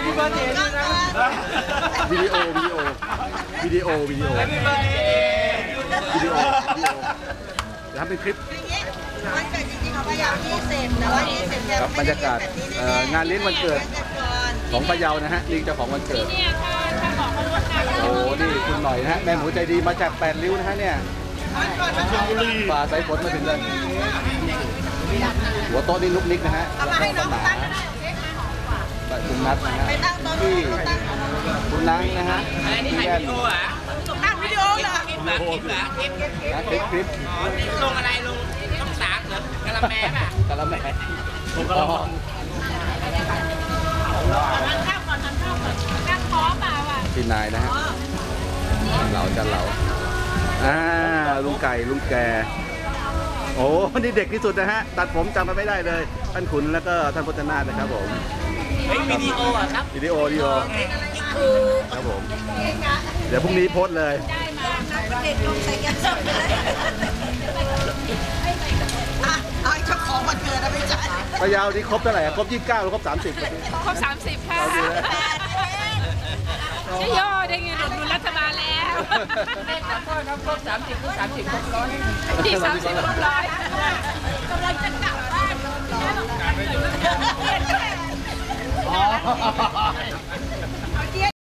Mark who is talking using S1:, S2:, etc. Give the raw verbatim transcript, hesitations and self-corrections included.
S1: พี่เบิร์ดเดย์ด้วยนะ
S2: วิดีโอวิดีโอวิดีโอวิดีโอวิดีโอวิดีโอเดี๋ยวทำเป็นคลิป
S3: วันเกิดจริงๆของพะเยายี่สิบแต่ว่ายี่สิบเนี่ย
S2: บรรยากาศงานเลี้ยงวันเกิดของพะเยานะฮะลิงเจ้าของวันเกิดโอ้นี่คุณหน่อยนะฮะแม่หมูใจดีมาจากแปดริ้วนะฮะเนี่ยฝ่าสายฝนมาถึงเลยหัวโต๊ะนี่ลุกนิกนะฮะแล้วก็ปัญหาคุณนัทนะฮะที่คุณนังนะฮะที่แว่น
S3: ตั้งวิดีโอเหรอ
S1: คลิปเหรอคลิปเหรอคลิปคลิป
S2: คลิปคลิป
S1: ลงอะไรลงช่องสามเหรอกะละแมป่ะ
S2: กะละแมผมก็ลอง
S3: ทานข้าวก่อนทานข้าวก่อนนั่งคอเปล่าอ่ะ
S2: พี่นายนะฮะเหลาจันเหลาอ่าลุงไก่ลุงแกโอ้นี่เด็กที่สุดนะฮะตัดผมจำมันไม่ได้เลยท่านขุนแล้วก็ท่านพจนาถนะครับผม
S1: วิดีโออ่ะครับ
S2: วิดีโอวิดีโอครับผมเดี๋ยวพรุ่งนี้โพสเลย
S3: ได้มาเด็กลงใส่กันสดเลยอ่ะเอาเจ้าของวันเกิดนะไม่ใช่
S2: พะเยาที่ครบเท่าไหร่ครบยี่สิบเก้าหรือครบสามสิบ
S4: ครบสามสิบค่ะใช่ย่อได้ไงหนุนรัฐบาลแล้ว
S1: ครับครบสามสิบครบสามสิบครบร้อย
S4: ที่สามสิบครบร้อย
S3: กำลังจะกลับบ้าน